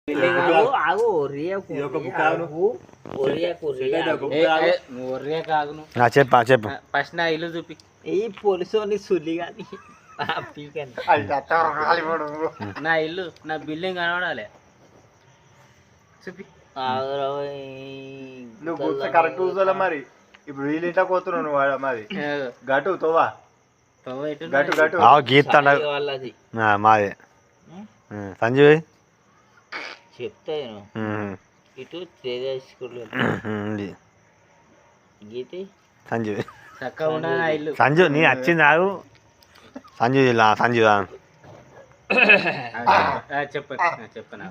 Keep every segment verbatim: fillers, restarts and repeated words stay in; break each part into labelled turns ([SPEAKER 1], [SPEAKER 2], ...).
[SPEAKER 1] చెప్పా చెప్పు
[SPEAKER 2] ఫస్ట్ నా ఇల్లు చూపి
[SPEAKER 3] ఈ పోలీసు సుల్లి కానీ
[SPEAKER 2] నా ఇల్లు నా బిల్డింగ్ కనబడాలి చూపి
[SPEAKER 1] నువ్వు కరెక్ట్ చూసాలా మరి ఇప్పుడు వీళ్ళు ఇంట్లో పోతున్నావు నువ్వు మరి గటు తోవా గటు గటు గీత మాదే సంజయ్
[SPEAKER 3] చెప్తాను ఇటు గీతి
[SPEAKER 1] సంజయ్
[SPEAKER 2] ఇల్లు
[SPEAKER 1] సంజు నీ వచ్చింది ఆగు సంజు ఇలా సంజు
[SPEAKER 2] చెప్ప చెప్పనా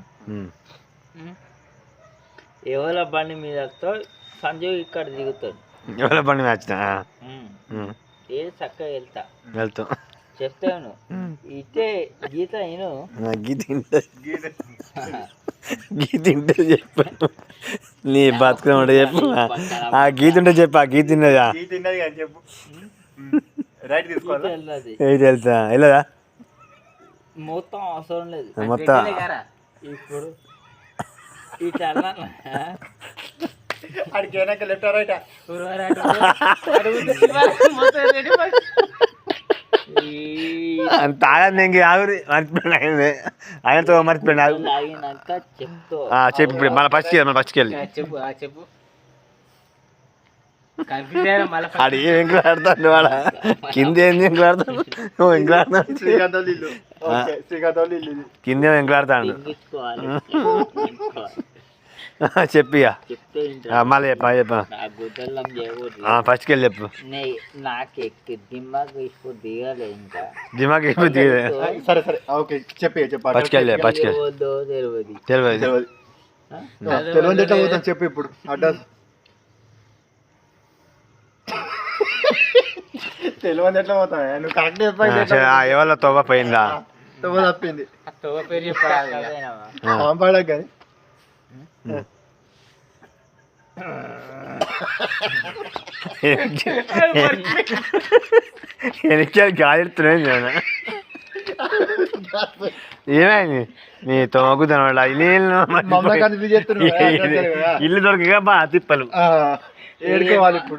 [SPEAKER 3] ఎవరి బండి మీద సంజయ్ ఇక్కడ దిగుతాడు
[SPEAKER 1] ఎవరి బండి మీద వచ్చిన
[SPEAKER 3] ఏ చక్కగా వెళ్తా
[SPEAKER 1] వెళ్తాం
[SPEAKER 3] చెప్తాను ఇటే గీత నేను
[SPEAKER 1] గీత గీత ఉంటే చెప్పాను నీ బతుకమంటే చెప్పు ఆ గీత ఉంటే చెప్పు ఆ గీత తిన్నదా చెప్పు రైట్ తీసుకోవాలి తెలుసా వెళ్ళదా
[SPEAKER 3] మొత్తం అవసరం లేదు
[SPEAKER 1] మొత్తం
[SPEAKER 3] ఇప్పుడు ఇట్లా
[SPEAKER 1] అడికి వెనక లెఫ్ట్ రైట్ తాగదు ఇంక ఆగురి మర్చిపోయాడు ఆయన ఆయనతో మర్చిపోయాడు చెప్పు ఇప్పుడు మళ్ళీ ఫస్ట్కి వెళ్ళి మళ్ళీ ఫస్ట్కి వెళ్ళి
[SPEAKER 2] చెప్పు చెప్పు
[SPEAKER 1] ఆడు ఏం ఎంకులాడతాడు వాడ కింద ఏంది ఎంకులాడతాడు నువ్వు ఎంకులాడతాడు కిందేమో ఎంకులాడతాడు చెప్పిగా మళ్ళీ చెప్పా చెప్పా ఫస్ట్కి వెళ్ళి చెప్పు
[SPEAKER 3] నాకు ఎక్కి దిమాగ్ ఇప్పుడు దిగాలి ఇంకా
[SPEAKER 1] దిమాగ్ ఇప్పుడు దిగలే సరే సరే ఓకే చెప్పి చెప్పా ఫస్ట్కి వెళ్ళి ఫస్ట్కి
[SPEAKER 3] తెలియదు
[SPEAKER 1] తెలియదు తెలియదు ఎట్లా పోతాం చెప్పు ఇప్పుడు అడ్రస్ తెలియదు ఎట్లా పోతా నువ్వు కరెక్ట్ చెప్పా ఎవరో తోవ పోయిందా తోవ తప్పింది
[SPEAKER 2] తోవ పేరు చెప్పాలి
[SPEAKER 1] కానీ వెనకాల గాలిడుతున్నాయి ఏమైంది నీ తోమకు తినవాళ్ళ ఇల్లు దొరకగా బా తిప్పలు ఏడుకోవాలి ఇప్పుడు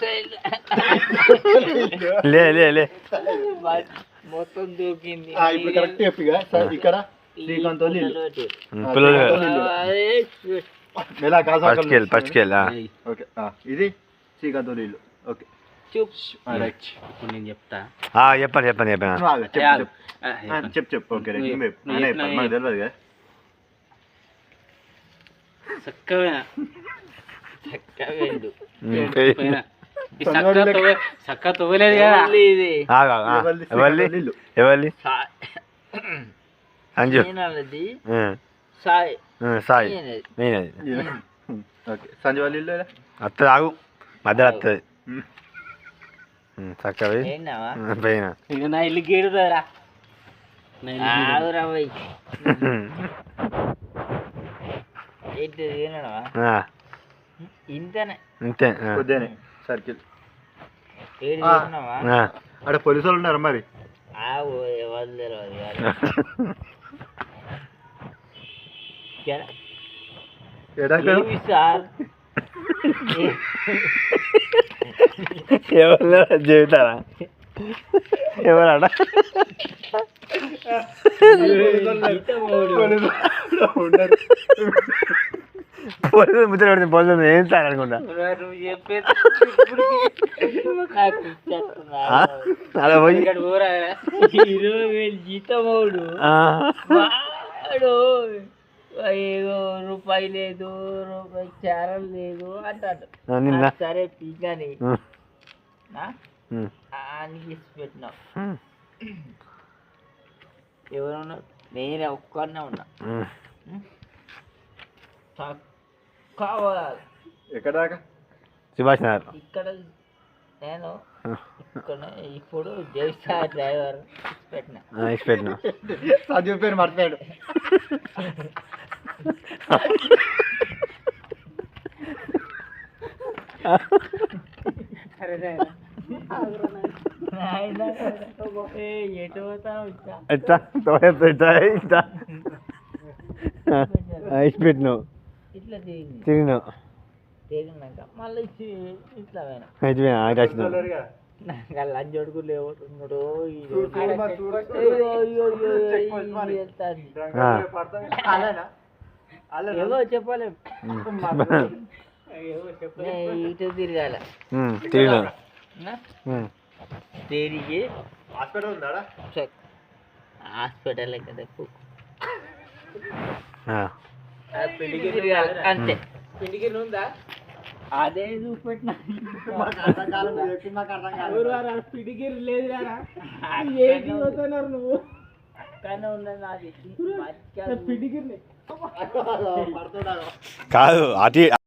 [SPEAKER 1] లే లే లే
[SPEAKER 3] మొత్తం దూకింది
[SPEAKER 1] ఇప్పుడు కరెక్ట్ చెప్పిగా ఇక్కడ శ్రీకాంత్ ఇది శ్రీకాంత్ ఇల్లు ఓకే
[SPEAKER 2] ఇప్పుడు నేను చెప్తా
[SPEAKER 1] చెప్పండి చెప్పండి చెప్పాను చెప్పు చెప్పు ఓకే మాకు తెలియదు కదా
[SPEAKER 2] చక్కగా చక్క తోలేదు కదా
[SPEAKER 1] ఎవరి ఎవరి సంజు
[SPEAKER 3] సాయి
[SPEAKER 1] సాయి నేనది ఓకే సంజు వాళ్ళ ఇల్లు వస్తుంది ఆగు మధ్యలో వస్తుంది చక్కగా పోయినా
[SPEAKER 2] ఇక నా ఇల్లు గేడురా
[SPEAKER 3] ఇంతనే
[SPEAKER 1] ఇంతే కొద్దినే సర్కిల్ అక్కడ పోలీసు వాళ్ళు ఉన్నారు మరి
[SPEAKER 3] సార్
[SPEAKER 1] ఎవరు చెబుతారా ఎవరాడ పోలీసు ముద్ర పెడితే పోలీసు ఏం సార్ అనుకుంటా అలా పోయి
[SPEAKER 3] ఇరవై వేలు జీతమోడు ఏదో రూపాయి లేదు రూపాయి చారం లేదు అంటాడు సరే పీకని అని పెట్టినావు ఎవరున్నారు నేనే ఒక్కనే ఉన్నా కావాలి
[SPEAKER 1] ఎక్కడ సుభాష్ నగర్
[SPEAKER 3] ఇక్కడ నేను ఇక్కడ ఇప్పుడు జైసా డ్రైవర్ పెట్టిన
[SPEAKER 1] పెట్టిన చదువు పేరు మర్చిపోయాడు
[SPEAKER 3] ఎటు పోతావు
[SPEAKER 1] ఎట్లా ఇట్లా ఇచ్చి పెట్టినావు
[SPEAKER 3] ఇట్లా తిరిగి
[SPEAKER 1] తిరిగినావు
[SPEAKER 3] తిరిగినాక మళ్ళీ ఇట్లా పోయినా
[SPEAKER 1] అయితే అయితే వచ్చినావు
[SPEAKER 3] నాకు ఆ లంచ్ అడుగు లేవుతున్నాడు ఏవో చెప్పలేము ఇటు తిరగాల
[SPEAKER 1] తిరిగినావు
[SPEAKER 3] తిరిగి హాస్పిటల్ కదా తిరగాల అంతే ఉందా అదే చూపెట్టిన పిడిగిరి లేదు నువ్వు కానీ ఉన్నది నాది
[SPEAKER 1] కాదు అటు